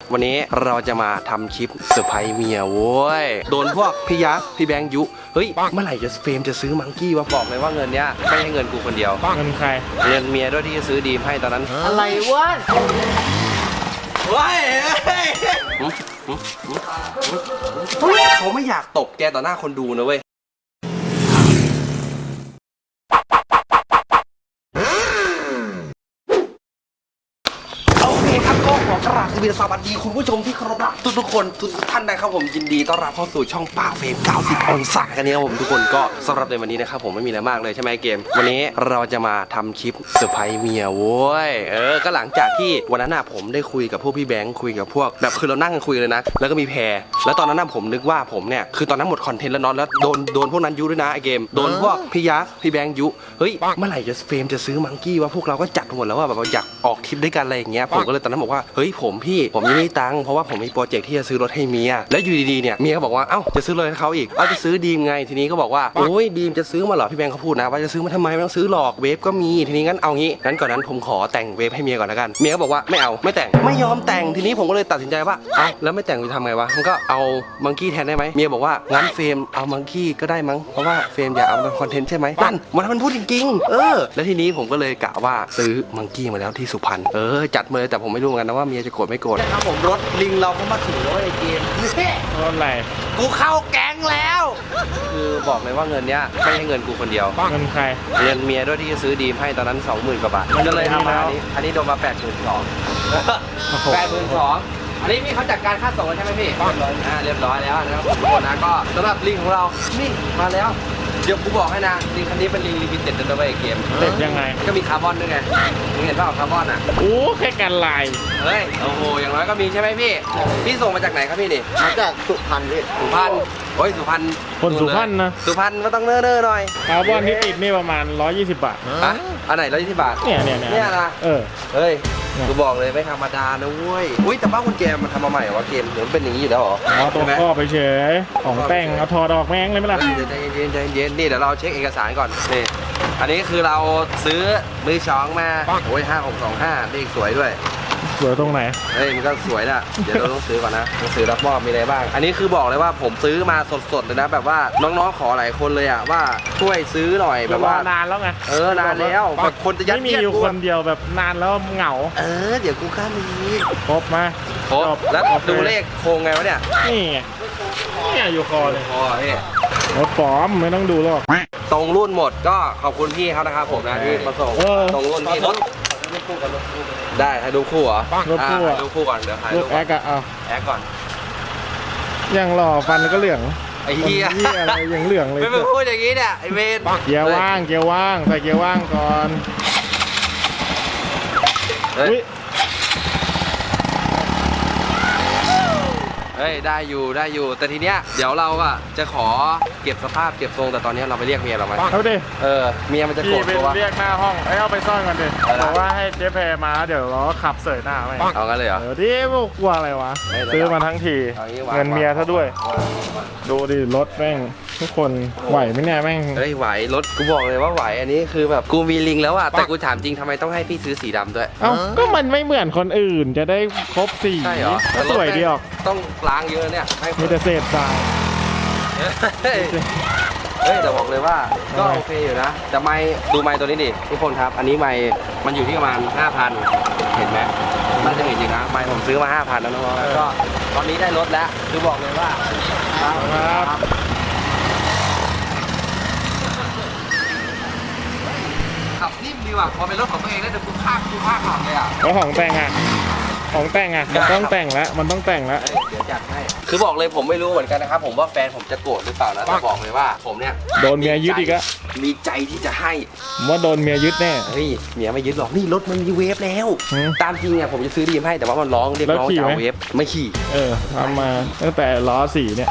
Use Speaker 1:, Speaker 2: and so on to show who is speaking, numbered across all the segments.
Speaker 1: วันนี้เราจะมาทำคลิปเซอร์ไพรส์เมียโว้ยโดนพวกพี่ยักษ์พี่แบงค์ยุเฮ้ยเมื่อไหร่จะเฟรมจะซื้อมังกี้วะบอกเลยว่าเงินเนี้ยไม่ใช่เงินกูคนเดียว
Speaker 2: เงินใคร
Speaker 1: เงินเมียด้วยที่จะซื้อดีมให้ตอนนั้น
Speaker 3: อะไรวะ
Speaker 1: ว้ายเขาไม่อยากตบแกต่อหน้าคนดูนะเว้ยขอกราบสวัสดีคุณผู้ชมที่เคารพรักทุกคนทุกท่านนะครับผมยินดีต้อนรับเข้าสู่ช่องป้าเฟรม90องศากันเนี่ยครับผมทุกคนก็สำหรับในวันนี้นะครับผมไม่มีอะไรมากเลยใช่ไหมเกมวันนี้เราจะมาทำคลิปเซอร์ไพรส์เมียโว้ยก็หลังจากที่วันนั้นผมได้คุยกับพวกพี่แบงค์คุยกับพวกแบบคือเรานั่งกันคุยเลยนะแล้วก็มีแพรแล้วตอนนั้นผมนึกว่าผมเนี่ยคือตอนนั้นหมดคอนเทนต์แล้วนอนแล้วโดนพวกนั้นยุด้วยนะไอเกมโดนพวกพี่ยักษ์พี่แบงค์ยุเฮ้ยเมื่อไหร่จะเฟรมจะซื้อมังกี้วะพวกเราก็จัดหมดแล้วว่าแบบอยากออกทริปด้วยกันอะไรอย่างเงี้ยผมก็เลยตอนนั้นบอกว่าเฮ้ยผมยังไม่มีตังค์เพราะว่าผมมีโปรเจกต์ที่จะซื้อรถให้เมียแล้วอยู่ดีๆเนี่ยเมียก็บอกว่าเอ้าจะซื้อรถให้เขาอีกจะซื้อดีมไงทีนี้ก็บอกว่าโอ้ยดีมจะซื้อมาเหรอพี่แบงค์เขาพูดนะว่าจะซื้อมาทำไมไม่ต้องซื้อหรอกเวฟก็มีทีนี้งั้นเอางี้ก่อนนั้นผมขอแต่งเวฟให้เมียก่อนแล้วกันเมียก็บอกว่าไม่เอาไม่แต่งไม่ยอมแต่งทีนี้ผมก็เลยตัดสินใจว่าเอ้าแล้วไม่แต่งจะทำไงวะมันก็เอามังกี้แทนได้ไหมเมียบอกว่างั้นเฟรมเอามังกี้ก็ได้มั้งเพราะว่าเฟรมอยากเอาเป็นคอนเทนต์ใช่ไหมนั่นมันพูดจริงๆแล้วทีนี้ผมก็เลยกะว่าซื้อมังกี้มาแล้วที่สุพรรณจัดมาเลยแต่ผมไม่รู้เหมือนกันนะว่าเมียจะโกรธไม่โกรธนะครับผมรถลิงเราก็มาถึงแล้วไอ้เกม
Speaker 2: รถอะไร
Speaker 1: กูเข้าแก๊งแล้วคือบอกเลยว่าเงินเนี้ยไม่ใช่เงินกูคนเดียว
Speaker 2: เงินใคร
Speaker 1: เงินเมียด้วยที่จะซื้อดีมให้ตอนนั้น 20,000 กว่าบาทก็เลยทำมาอันนี้โดนมา 82,000 อันนี้พี่เขาจัดการค่าส่งแล้วใช่ไหมพี่เรียบร้อยแล้วนะครับทุกคนนะก็สำหรับลิงของเรานี่มาแล้วเดี๋ยวกูบอกให้นะลิงคันนี้เป็นลิงลิมิเต็ดนะเว้ยเกม
Speaker 2: เต็ดยังไง
Speaker 1: ก็มีคาร์บอนด้วยไงมึงเห็นเปล่าคาร์บอนอ่ะ
Speaker 2: โอ้แค่กันลาย
Speaker 1: เฮ้ยโอ้โหอย่างน้อยก็มีใช่ไหมพี่ส่งมาจากไหนครับพี่นี่
Speaker 3: มาจากสุพรรณพี่
Speaker 1: สุพรรณโอ้ยสุพรรณ
Speaker 2: คนสุพรรณนะ
Speaker 1: สุพรรณก็ต้องเน้อหน่อย
Speaker 2: คาร์บอนที่ติดนี่ประมาณ120 บาท
Speaker 1: อันไหน120 บาทเนี่ยนะเฮ้ยกูบอกเลยไม่ธรรมดานะเว้ยอุ้ยแต่บ้าคุณแกมันทำมาใหม่วะเกมหรือมันเป็นอย่างนี้อยู่แล้วหรอ
Speaker 2: ตัวข้อไปเฉยของแต่งเอาถอดออกแม่งเลยไหมล่ะ
Speaker 1: ใจเย็นนี่เดี๋ยวเราเช็คเอกสารก่อนนี่อันนี้คือเราซื้อมือสองมาโอ้ย5625เลขสวยด้วย
Speaker 2: สวยตรงไหน
Speaker 1: เฮ้ยมันก็สวยนะเดี๋ยวเราต้องซื้อก่อนนะต้องซื้อรับมอบมีอะไรบ้างอันนี้คือบอกเลยว่าผมซื้อมาสดๆเลยนะแบบว่าน้องๆขอหลายคนเลยอะว่าช่วยซื้อหน่อยแบบว่าน
Speaker 2: านแล้วไง
Speaker 1: นานแล้วแบบคนจะยัด
Speaker 2: เยียดอยู่คนเดียวแบบนานแล้วเหงา
Speaker 1: เดี๋ยวกูกล้ามี
Speaker 2: ครบมา
Speaker 1: ครบแล้วดูเลขโครงไงวะเนี่ย
Speaker 2: นี่อยู่คอเลย
Speaker 1: คอพี่
Speaker 2: รถปลอมไม่ต้องดูหรอก
Speaker 1: ตรงรุ่นหมดก็ขอบคุณพี่เขานะครับผมนะที่มาส่งตรงรุ่นพี่รถได้ให้ดูคู่เหรอ
Speaker 2: รถคู่
Speaker 1: ดูคู่ก่อนเดี๋ยวถ่ายรูป
Speaker 2: แอคอะ
Speaker 1: แอคก่อน
Speaker 2: ยังหล่อฟันก็เหลือง
Speaker 1: ไอ้เหี้ย
Speaker 2: อะไรยังเหลืองเลย
Speaker 1: ไม่พูดอย่างนี้เนี่ยไอ้เวร
Speaker 2: เกียร์ว่างใส่เกียร์ว่างก่อน
Speaker 1: เฮ้ยได้อยู่แต่ทีเนี้ยเดี๋ยวเราอะจะขอเก็บสภาพเก็บทรงแต่ตอนนี้เราไปเรียกเมียเราไหม
Speaker 2: เอาดิ
Speaker 1: เมียมันจะโกรธตัว
Speaker 2: เรียกหน้าห้องเอาไปซ่อนกันดิบอกว่าให้เจ๊แพรมาเดี๋ยวเราขับเสยหน้าไป
Speaker 1: เอางั้นเลยเหรอ
Speaker 2: ดิกลัวอะไรวะซื้อมาทั้งทีเงินเมียซะด้วยดูดิรถแม่งทุกคนไหวไหมเนี่ยแม่ง
Speaker 1: เฮ้ยไหวรถกูบอกเลยว่าไหวอันนี้คือแบบกูมีลิงแล้วอะแต่กูถามจริงทำไมต้องให้พี่ซื้อสีดำด้วย
Speaker 2: ก็มันไม่เหมือนคนอื่นจะได้ครบสี
Speaker 1: ใช่เหรอ
Speaker 2: สวยดีออก
Speaker 1: ต้องล้างเยอะเนี่ย
Speaker 2: มีแต่เศษทราย
Speaker 1: แต่บอกเลยว่าก็โอเคอยู่นะแต่ไมค์ดูไมค์ตัวนี้ดิทุกคนครับอันนี้ไมค์มันอยู่ที่ประมาณ 5,000 เห็นไหมน่าจะเห็นจริงนะไมค์ผมซื้อมา 5,000 แล้วน้องๆก็ตอนนี้ได้รถแล้วคือบอกเลยว่า
Speaker 2: ครับ
Speaker 1: ขับนิ่มดีว่ะพอเป็นรถของตัวเองได้แต่กูภาคขับเลยอ่ะ
Speaker 2: แล้วของแต่งมันต้องแต่งแล้วมันต้องแต่งแล้ว
Speaker 1: เดี๋ยวจัดให้คือบอกเลยผมไม่รู้เหมือนกันนะครับผมว่าแฟนผมจะโกรธหรือเปล่านะแต่บอกเลยว่าผมเนี่ย
Speaker 2: โดนเมียยึดอีกอะ
Speaker 1: มีใจที่จะให้
Speaker 2: ว่าโดนเมียยึดแน่
Speaker 1: เฮ้ยเมียไม่ยึดหรอกนี่รถมันมีเวฟแล้วตามจริงเนี่ยผมจะซื้อดีมให้แต่ว่ามันร้องเรียกร้องจะเอาเวฟไม่ขี่
Speaker 2: ทำมาตั้งแต่ล้อสีเนี่ย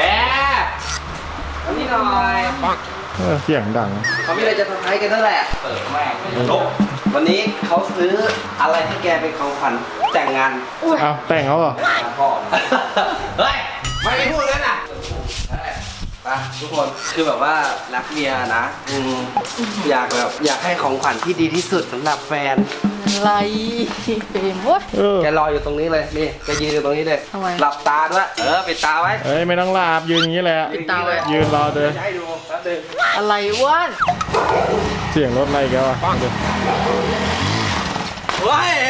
Speaker 1: นี่หน่อย
Speaker 2: เสียงดัง
Speaker 1: เขามีอะไรจะทำให้กันนั่นแหละแม่วันนี้เขาซื้ออะไรให้แกเป็นของขวัญแต่งงาน
Speaker 2: แต่งเขาเหรอ
Speaker 1: พ่อเฮ้ยไม่พูดกันอ่ะไปอ่ะทุกคนคือแบบว่ารักเมียนะอยากให้ของขวัญที่ดีที่สุดสำหรับแฟน
Speaker 3: อะไรเฟรมวะ
Speaker 1: แกรออยู่ตรงนี้เลยนี่แกยืนอยู่ตรงนี้เลย
Speaker 3: ทำไม
Speaker 1: หลับตาด้วยปิดตาไว้
Speaker 2: เอ้ยไม่ต้องหลับยืนอย่างนี้แหละ
Speaker 3: ปิดตาไว้
Speaker 2: ยืนรอเดิน
Speaker 1: จะให้ดูแป๊บนึง
Speaker 3: อะไรวะ
Speaker 2: เสียงรถอะไรแกวะเดี๋ยว
Speaker 1: เฮ้ย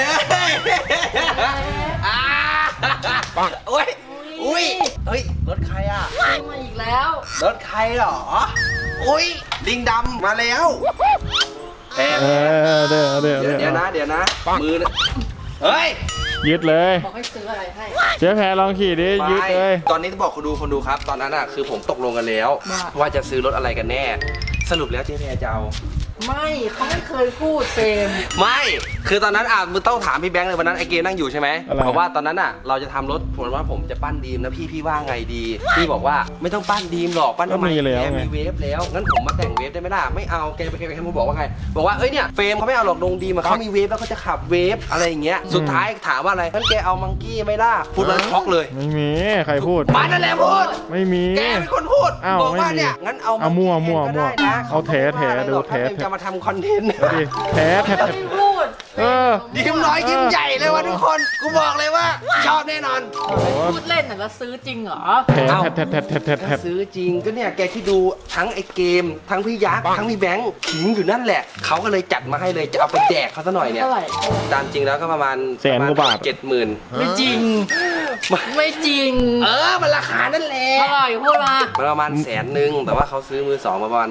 Speaker 1: อ่าโอ้ยอุ้ยเฮ้ยรถใครอ่ะ
Speaker 3: ซื้อมาอีกแล้ว
Speaker 1: รถใครเหรออุ้ยลิงดำมาแล้วแพร
Speaker 2: เดี๋ยว
Speaker 1: เดี๋ยวนะมือนะเฮ้ย
Speaker 2: ยึดเลย
Speaker 3: บอกให้ซื้ออะไรให้
Speaker 2: เจ๊แพรลองขี่ดิยึดเลย
Speaker 1: ตอนนี้ต้องบอกคนดูครับ ตอนนั้นอ่ะคือผมตกลงกันแล้ว ว่าจะซื้อรถอะไรกันแน่ สรุปแล้วเจ๊แพรจะเอา
Speaker 3: ไม่เขาไม่เคยพูดเฟรม
Speaker 1: ไม่คือตอนนั้นมึงต้องถามพี่แบงค์เลยวันนั้นไอเกมนั่งอยู่ใช่ไหมเพราะว่าตอนนั้นอ่ะเราจะทำรถผมว่าผมจะปั้นดีมนะพี่ว่าไงดีพี่บอกว่าไม่ต้องปั้นดีมหรอกปั้นทำไมแกมีเวฟแล้วงั้นผมมาแต่งเวฟได้ไหมล่ะไม่เอาแกผมบอกว่าไงบอกว่าเอ้ยเนี่ยเฟรมเขาไม่เอาหรอกดงดีมาเขามีเวฟแล้วเขาจะขับเวฟอะไรอย่างเงี้ยสุดท้ายถามว่าอะไรงั้นแกเอามังกี้ไม่ล่ะพูดแล้วช็อกเลย
Speaker 2: ไม่มีใครพูด
Speaker 1: มันนั่นแหละพูด
Speaker 2: ไม่มี
Speaker 1: แกเป็นคนพูด
Speaker 2: อ้าว
Speaker 1: บอกว่า
Speaker 2: ไม่มี
Speaker 1: เนี่ยงั้นเอา
Speaker 2: เอามั่ว
Speaker 1: ก็ได้นะ
Speaker 2: เอาแถดูแถ
Speaker 1: จะมาทำคอนเทนต์
Speaker 2: ดิแท้แท้
Speaker 3: ไม่พูด
Speaker 1: ยิ้มน้อยยิ้มใหญ่เลยวะทุกคนกูบอกเลยว่าชอบแน่นอน
Speaker 3: พูดเล่นน่ะแล้วซื้อจริงเหรอ
Speaker 2: แท้
Speaker 1: ซื้อจริงก็เนี่ยแกที่ดูทั้งไอ้เกม ทั้งพี่ยักษ์ทั้งพี่แบงค์ขิงอยู่นั่นแหละเขาก็เลยจัดมาให้เลยจะเอาไปแจกเขาซะหน่อยเนี่ย
Speaker 3: เท่าไหร่
Speaker 1: ตามจริงแล้วก็ประมาณ
Speaker 2: แสนกว่าบาท
Speaker 1: 70,000
Speaker 3: ไม่จริง ไม่จริง
Speaker 1: มันราคานั่นแหละ
Speaker 3: เท่าไหร่พูดมา
Speaker 1: มันประมาณ100,000แต่ว่าเขาซื้อมือสองมาประมาณ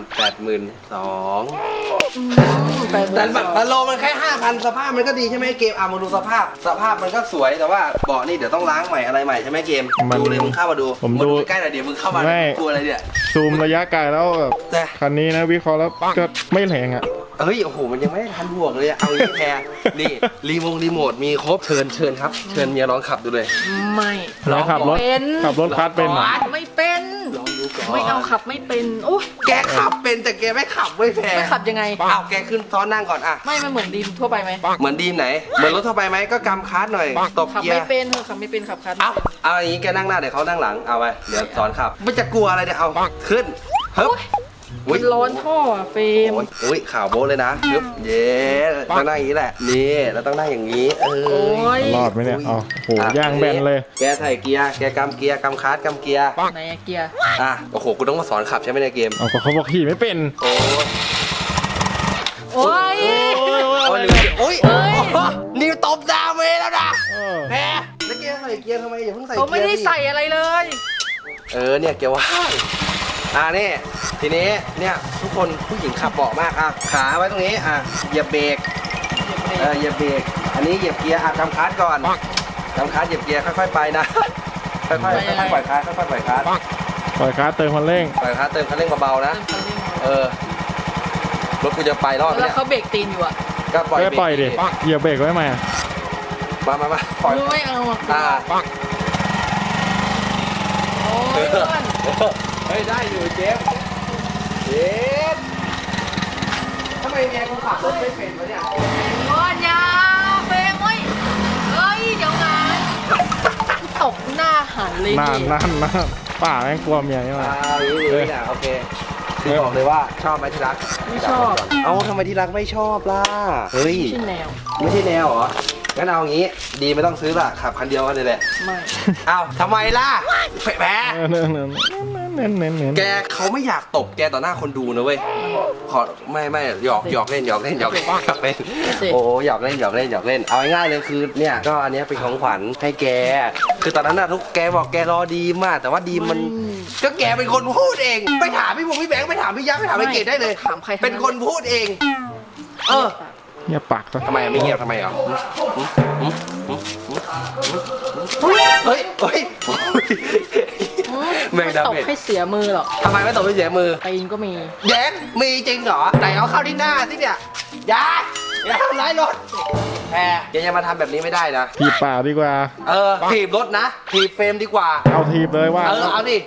Speaker 1: 82,000แต่แบบโลมันแค่ 5,000 สภาพมันก็ดีใช่ไหมเกมมาดูสภาพมันก็สวยแต่ว่าเบาะนี่เดี๋ยวต้องล้างใหม่อะไรใหม่ใช่ไหมเกมดูเลยมึงเข้ามาดู
Speaker 2: ผมดู
Speaker 1: ใกล้หน่อยเดี๋ยวมึงเข้ามาตัวอะไรเนี่ย
Speaker 2: ซูมระยะไกลแล้วแบบคันนี้นะวิเคราะห์แล้วก็ไม่แรงอ่ะ
Speaker 1: เฮ้ยโอ้โหมันยังไม่ได้ทันบวกเลยอะเอาอย่างนี้แพรนี่รีโมทมีครบเชิญครับเชิญเมียลองขับดูเลย
Speaker 3: ไม่
Speaker 2: แล้วขับรถ
Speaker 3: เป็น
Speaker 2: ขับรถคัสเป็นเหรอ
Speaker 3: ไม่เป็น
Speaker 1: ลองดูก่อน
Speaker 3: ไม่เอาขับไม่เป็นโอ้
Speaker 1: แกขับเป็นแต่แกไม่ขับเว้ยแพร
Speaker 3: ไม่ขับยังไง
Speaker 1: เอาแกขึ้นซ้อนนั่งก่อนอะ
Speaker 3: ไม่มันเหมือนดีมทั่วไปไหม
Speaker 1: เหมือนดีมไหนเหมือนรถทั่วไปไหมก็กำคลัตช์หน่อยตบ
Speaker 3: ขับ
Speaker 1: เกีย
Speaker 3: ไม่
Speaker 1: ร์
Speaker 3: เป็นขับไม่เป็นขับคัน
Speaker 1: เอาอย่างนี้แกนั่งหน้าเดี๋ยวเขานั่งหลังเอาไปเดี๋ยวสอนขับไม่จะกลัวอะไรเนี่ยเอาขึ้นฮึบ
Speaker 3: มันร้อนท่ออะเฟรม
Speaker 1: โอ้ยข่าวโบ๊ทเลยนะฮึบเย้ต้องนั่งอย่างนี้แหละนี่แล้วต้องนั่งอย่างนี้
Speaker 3: โอ้ย
Speaker 2: รอดไหมเนี่ยอ๋อโหย่างแบนเลย
Speaker 1: แกใส่เกียร์แกกำเกียร์กำคลัตช์กำเกียร์
Speaker 3: ไหนอะเกียร์
Speaker 1: โอ้โหกูต้องมาสอนขับใช่ไหมในเกม
Speaker 2: เอาก็เขาบอกขี่ไม่เป็น
Speaker 1: โอ้
Speaker 3: โอ้ย
Speaker 1: โอ้ยโอ้ยนิวตบดาวเมแล้วนะแพ้แล้วแกใส่เกียร์ทำไมอย่าเพิ่งใส่เกียร์
Speaker 3: เขาไม่ได้ใส่อะไรเลย
Speaker 1: เนี่ยเกียร์ว่างนี่ทีนี้เนี่ยทุกคนผู้หญิงขับเบาะมากขาไว้ตรงนี้เหยียบเบรกเหยียบเบรกอันนี้เหยียบเกียร์กำคลัตช์ก่อนกำคลัตช์เหยียบเกียร์ค่อยๆไปนะค่อยๆปล่อยคลัตช์ค่อยๆปล่อยคลัตช์
Speaker 2: ปล่อยคาร์เติมคันเร่ง
Speaker 1: ปล่อยคลัตช์เติมคันเร่งเบาๆนะรถกูจะไปรอด
Speaker 3: แล้ว
Speaker 1: เนี่ย
Speaker 3: เขาเบรกตีนอยู่อะ
Speaker 1: ก็ปล่อย
Speaker 2: ไม่ปล่อยดิเหยียบเบรกไว้ไหม
Speaker 1: มาปล่อย
Speaker 3: ไม่เอาอะโอ้ยเพื่อน
Speaker 1: เฮ้ยได้อยู่เจมทำไมเมียกูขับรถไม่เป็นวะเนี่ย
Speaker 3: โอ้ยอยาเฟรมเฮ้ยเดี๋ยวนะตบหน้าหันเลย
Speaker 2: นั่นป่าแม่งกลัวเมียนี่มา
Speaker 1: นี่นะโอเคคือบอกเลยว่าชอบไหมที่รัก
Speaker 3: ไม่ชอบ
Speaker 1: เอาทำไมที่รักไม่ชอบล่ะเฮ้ย
Speaker 3: ไม่ใช่แนว
Speaker 1: ไม่ใช่แนวเหรองั้นเอางี้ดีไม่ต้องซื้อละขับคันเดียวกันเลยแหละ
Speaker 3: ไม่
Speaker 1: เอาทำไมล่ะแพ้
Speaker 2: เ
Speaker 1: แกเขาไม่อยากตบแกต่อหน้าคนดูนะเว้ยขอไม่หยอกเล่นโอ้หยอกเล่นเอาง่ายๆเลยคือเนี่ยก็อันนี้เป็นของขวัญให้แกคือตอนนั้นน่ะทุกแกบอกแกรอดีมากแต่ว่าดีมันก็แกเป็นคนพูดเองไปถามพี่แบงค์ไปถามพี่ยักษ์ไปถามไอ้เกดได้เลย
Speaker 3: ถามใคร
Speaker 1: เป็นคนพูดเอง
Speaker 2: เงียบปากซะ
Speaker 1: ทำไมไม่เงียบทำไมอ่ะเฮ้ยแมงดา
Speaker 3: ตบ
Speaker 1: เม็ด
Speaker 3: ให้เสียมือหรอก
Speaker 1: ทำไมไม่ตบไม่เสียมือ
Speaker 3: ตีนก็มี
Speaker 1: แย้มีจริงเหรอไหนเอาเข้าที่หน้าสิเนี่ยอย่าทำร้ายรถแพรอย่ามาทำแบบนี้ไม่ได้นะ
Speaker 2: ถีบป่าดีกว่า
Speaker 1: ถีบรถนะถีบเฟรมดีกว่า
Speaker 2: เอาถีบเลยว่า
Speaker 1: เอาดิ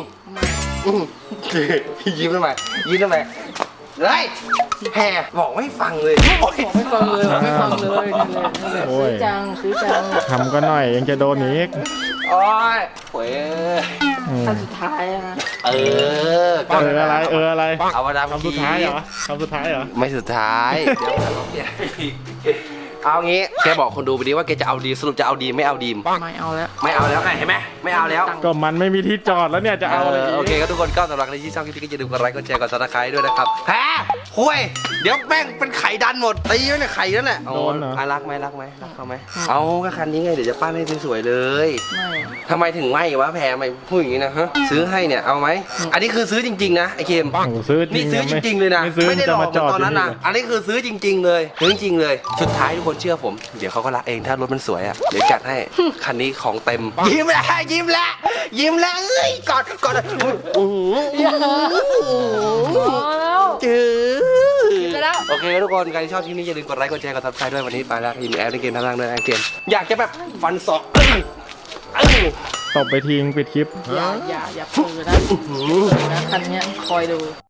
Speaker 1: ยิ้มทำไมเฮ้ยแพรบอกไม่ฟังเลย
Speaker 3: ไม่ฟังเลยนี่เลยซื้อจัง
Speaker 2: ทำก็หน่อยยังจะโดนอีก
Speaker 1: โอ้ยโอ้ย
Speaker 3: ขั้นสุดท้ายอะนะ
Speaker 1: เออ
Speaker 2: อะไรอะไร
Speaker 1: เอามาดาม
Speaker 2: คำสุดท้ายเหรอคำสุดท้ายเหรอ
Speaker 1: ไม่สุดท้ายเดี๋ยวเราเปลี่ยนเอางี้แกบอกคนดูไปดิว่าแกจะเอาดีสรุปจะเอาดีไม่เอาดีม
Speaker 3: ไม่เอาแล้ว
Speaker 1: ไม่เอาแล้วไงเห็นไหมไม่เอาแล้ว
Speaker 2: ก็มันไม่มีที่จอดแล้วเนี่ยจะเอาอะไรก
Speaker 1: โอเคก็ทุกคนก็สำหรับใครที่ชอบคลิปนี้ก็อย่าลืมกดไลค์กดแชร์กดซับสไครต์ด้วยนะครับแพ้คุยเดี๋ยวแม่งเป็นไข่ดันหมดตีไว้เนี่ยไข่นั่นแหละ
Speaker 2: โดนเหรอ
Speaker 1: รักไหมรักเขาไหมเอาก็คันนี้ไงเดี๋ยวจะปั้นให้สวยๆเลย
Speaker 3: ไม่
Speaker 1: ทำไมถึงไม่วะแพ้ไม่พูดอย่างนี้นะฮะซื้อให้เนี่ยเอาไหมอันนี้คือซื้อจริงๆนะไอเกม
Speaker 2: โอ้โหซื้อจริ
Speaker 1: นี่
Speaker 2: ง
Speaker 1: ซื้อจริงๆเลยนะ
Speaker 2: ไม่ซื้อ
Speaker 1: ไม่ได้หลอกเหมื
Speaker 2: จะ
Speaker 1: อน
Speaker 2: มาจอด
Speaker 1: ตอนนั้นนะ
Speaker 2: ที่นี่
Speaker 1: อันนี้คือซื้อจริง ๆ เลยซื้อจริงๆเลยสุดท้ายทุกคนเชื่อผมเดี๋ยวเขาก็รักเองถ้ารถมันสวยอ่ะเดี๋ยวจัดให้คันนี้ของเต็มยิ้มแล้วยิ้มแล้วยิ้มแล้วเอ้ยกอดอื้อหือ
Speaker 3: พอแล้ว
Speaker 1: จื้อ
Speaker 3: ไปแล้ว
Speaker 1: โอเคทุกคนใครที่ชอบคลิปนี้อย่าลืมกดไลค์กดแชร์กดซับสไครต์ด้วยวันนี้ไปแล้วยินแอปในเกมทั้งล่างด้วยนะเกมอยากจะแบบฟันศอก
Speaker 2: ตบไปทิ้งปิดคลิป
Speaker 3: อย่าเปิดนะคันเนี้ยคอยดู